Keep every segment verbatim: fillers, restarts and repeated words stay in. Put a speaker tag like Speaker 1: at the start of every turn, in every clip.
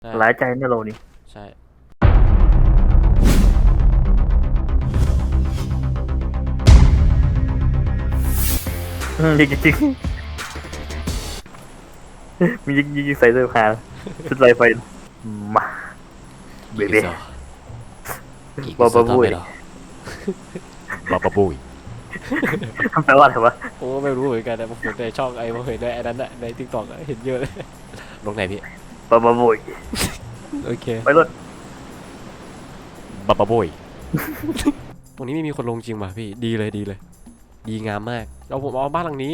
Speaker 1: หลายใจเนี่ยเรานี่
Speaker 2: ใช่
Speaker 1: ยิงจริงมียิงยิงใส่เสื้อผ้าชุดลายไฟมาเบเบ้บาบาบุย
Speaker 2: บาบาบุย
Speaker 1: แปลว่าอะไรวะ
Speaker 2: โอ้ไม่รู้เหมือนกันนะผมเห็นในช่องไอ้ผมเห็นในไอ้นั้นอะในทิกตอกเห็นเยอะเลยลงไหนพี่
Speaker 1: บาบาบุย
Speaker 2: โอเค
Speaker 1: ไปรถ
Speaker 2: บาบาบุยตรงนี้ไม่มีคนลงจริงป่ะพี่ดีเลยดีเลยดีงามมากเราผมเอาบ้านหลังนี้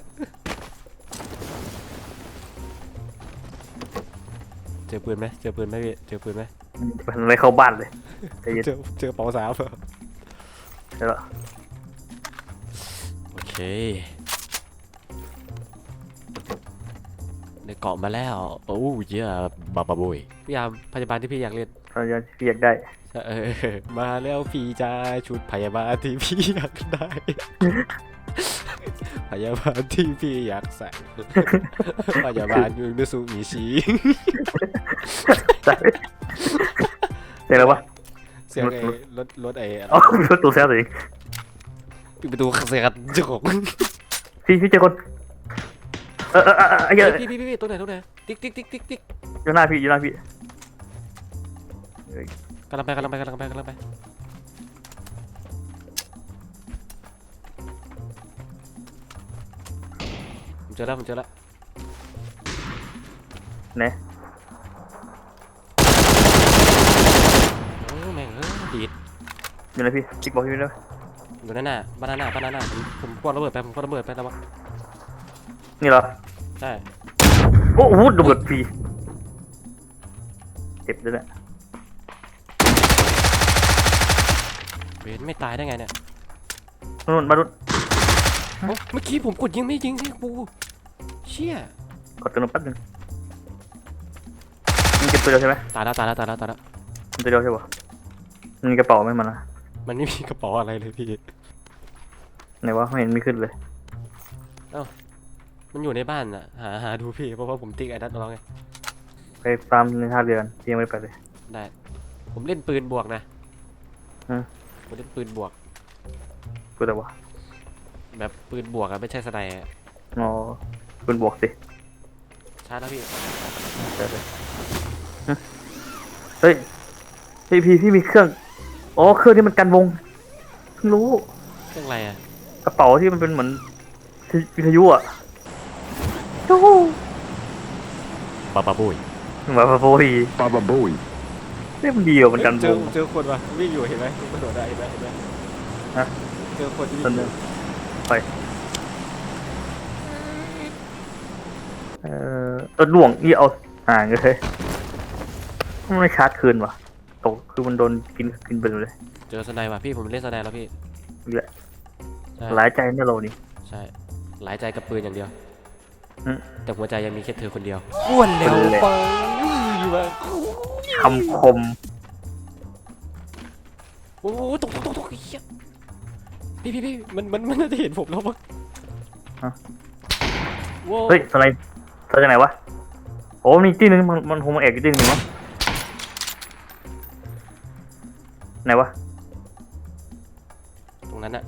Speaker 2: เจอปืนไหมเจอปืนไหมพี่เจอปืนไหม
Speaker 1: มันไม่เข้าบ้านเลย
Speaker 2: เจอเจอเป๋าสาวเหรอ
Speaker 1: ใช่แล้ว
Speaker 2: โอเคได้เกาะมาแล้วโอ้ยเยอะบาบาบุยพี่ยามพยาบาลที่พี่อยากเล่น
Speaker 1: พยาบาลที่อยากได้
Speaker 2: เออมาแล้วพี่จ้าชุดพยาบาลที่พี่อยากได้พยาบาลที่พี่อยากใส่พยาบาลยูนิสุมิชิ
Speaker 1: เสียงอะไรวะ
Speaker 2: เสียงไอ้รถรถไอ้
Speaker 1: อ๋อรถตู้แซวสิ
Speaker 2: ปิดประตูเสียงจุก
Speaker 1: พี่พี่เจอคนเออเออเออไอ้เหี้ย
Speaker 2: พี่พี่พี่ตัวไหนตัวไหนติ๊กติ๊กติ๊กติ๊กติ๊ก
Speaker 1: อยู่หน้าพี่อยู่หน้าพี่
Speaker 2: กำลังไปกำลังไปกำลังไปกำลังไปผมเจอแล้วผมเจอแล้ว
Speaker 1: เนี่ย
Speaker 2: โอ้แม่งเออดีด
Speaker 1: อยู่ไหนพี่จิ๊กบอกพี่ด้วย
Speaker 2: อยู่นั่นน่ะบ้านนั่นน่ะบ้านนั่นน่ะผมผมคว้าระเบิดไปผมคว้าระเบิดไปแล้ววะ
Speaker 1: นี่เหรอ
Speaker 2: ใช่
Speaker 1: โอ้โหระเบิดพี่เจ็บด้วยเนี่ย
Speaker 2: เวนไม่ตายได้ไงเนี่ย
Speaker 1: นู่นมาดู
Speaker 2: เมื่อกี้ผมกดยิงไม่ยิงที่กูเชี่ย
Speaker 1: กดตัวนึงแป๊บนึงมันเก็บตัวเดียวใช่ไหม
Speaker 2: ตายแล้วตายแล้วตายแล้วตายแล้ว
Speaker 1: มันตัวเดียวใช่ปะมันมีกระเป๋าไหมมันนะ
Speaker 2: มันไม่มีกระเป๋าอะไรเลยพี่
Speaker 1: ไหนวะไม่เห็นมีขึ้นเลย
Speaker 2: เอ้ามันอยู่ในบ้านอ่ะหาหาดูพี่เพราะว่าผมติ๊กไอ้นัทน้องไง
Speaker 1: ไปตามในท่าเรือที่ยังไม่ไปเลย
Speaker 2: ได้ผมเล่นปืนบวกนะ
Speaker 1: อืม
Speaker 2: ผมเล่นปืนบวก
Speaker 1: ปืนอะไรวะ
Speaker 2: แบบปืนบวกอะไม่ใช่สไนด์
Speaker 1: อ๋อปืนบวกสิ
Speaker 2: ชาร์จแล้วพี่
Speaker 1: ใช่เลยเฮ้ยพี่พี่พี่มีเครื่องอ๋อเครื่องที่มันกันวงเพิ่งรู้
Speaker 2: เครื่องอะไรอะ
Speaker 1: กระเป๋าที่มันเป็นเหมือนวิทยุอ่ะโอ้
Speaker 2: บาบาบุย
Speaker 1: บาบาบุย
Speaker 3: บาบาบุย
Speaker 1: นี่มันดีอ่ะมันกันวง
Speaker 2: เจอคนวะวิ่งอยู่เห็นไหมกระโดดได้เห็นไหมเห็นไหม
Speaker 1: ฮะ
Speaker 2: เจอคนที่วิ่ง
Speaker 1: ไปเอ่อตัวหลวงนี่เอาห่างเลยไม่ชาร์จคืนวะตกคือมันโดนกินกินไปเลย
Speaker 2: เจอสไนด์ว่ะพี่ผมเล่นสไนด์แล้วพี่
Speaker 1: นี่แหละหลายใจเนี่ยเรานี่
Speaker 2: ใช่หลายใจกับปืนอย่างเดียวแต่หัวใจยังมีแค่เธอคนเดียว
Speaker 1: อ้วนเร็วไปคำคม
Speaker 2: โอ้ตกตกตกตกพี่พี่พี่มันมันมันน่าจะเห็นผมแล้วมั้ง
Speaker 1: เฮ้ยอะไรอะไรจากไหนวะโอ้มีที่นึงมันมันคงมาแอบอยู่ที่นึงมั้งไหนวะ
Speaker 2: ตรงนั้นน่ะ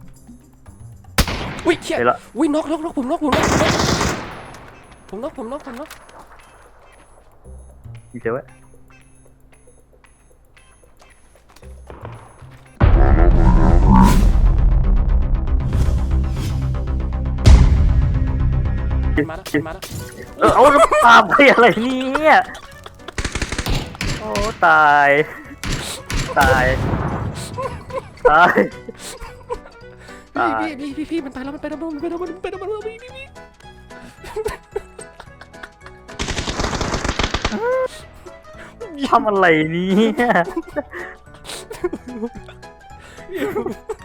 Speaker 2: อุ้ยเชี่ยอุ้ยน็อกน็อกน็อกผมน็อกผมน็อกผมน็อกผมน็อกผมน็อก
Speaker 1: อยู่เฉยไว้
Speaker 2: มาแล้วมาแล้ว
Speaker 1: เออเอาตามไปอะไรเนี่ยโอ้ตายตายตาย
Speaker 2: พี่พี่พี่พี่มันตายแล้วมันไปแล้วมันไปแล้วมันไปแล้วมันไปแล้วพี่พี่
Speaker 1: พี่ทำอะไรเนี่ย